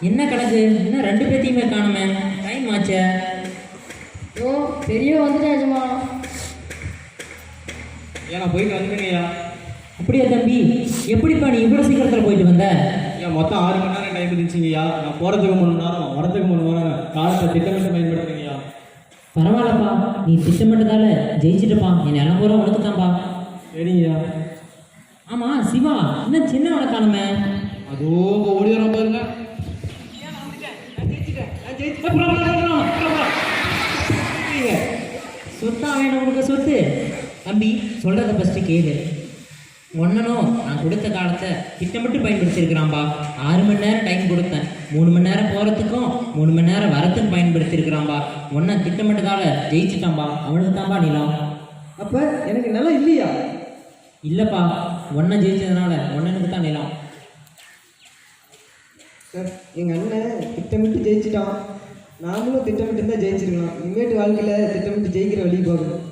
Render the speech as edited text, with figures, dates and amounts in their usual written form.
என்ன கணக்கு இன்னும் ரெண்டு பேத்தையுமே காணுமே, டைம் ஆச்சே. ஓ பெரிய வந்துட்டேன் எஜமா. ஏன் நான் போயிட்டு வந்துட்டேங்கய்யா. அப்படியா தம்பி, எப்படிப்பா நீ இவ்வளோ சீக்கிரத்தில் போயிட்டு வந்த? ஏன் மொத்தம் 6 மணி நேரம் டைம் இருந்துச்சுங்கய்யா. நான் போகிறதுக்கு 3 மணி நேரம், வரதுக்கு 3 மணி நேரம், காலத்தை திட்டமிட்டு பயன்படுத்துங்கய்யா. பரவாயில்லப்பா, நீ திட்டமிட்டதால ஜெயிச்சிட்டுப்பா. என் நிலம் பூரா உனக்கு தான்ப்பா. சரிங்கய்யா. ஆமாம் சிவா, இன்னும் சின்னவனை காணுமே. அதோ ஓடி வரோம் பாருங்க. சொத்தா வேணும் உனக்கு சொத்து? தம்பி சொல்கிறத ஃபஸ்ட்டு கேளு. ஒன்னனும் நான் கொடுத்த காலத்தை திட்டமிட்டு பயன்படுத்தியிருக்கிறான்பா. 6 மணி நேரம் டைம் கொடுத்தேன், 3 மணி நேரம் போகிறதுக்கும் 3 மணி நேரம் வரத்துக்கும் பயன்படுத்தியிருக்கிறான்பா. ஒன்றை திட்டமிட்டதால ஜெயிச்சிட்டான்பா. அவனுக்கு தான்பா நிலம். அப்போ எனக்கு நிலம் இல்லையா? இல்லைப்பா, ஒன்றை ஜெயிச்சதுனால ஒன்னனுக்கு தான் நிலம். சார் எங்கள் அண்ணன் திட்டமிட்டு ஜெயிச்சிட்டான். நாமளும் திட்டமிட்டு தான் ஜெயிச்சிருக்கலாம். இனிமேட்டு வாழ்க்கையில் திட்டமிட்டு ஜெயிக்கிற வழி பார்க்கணும்.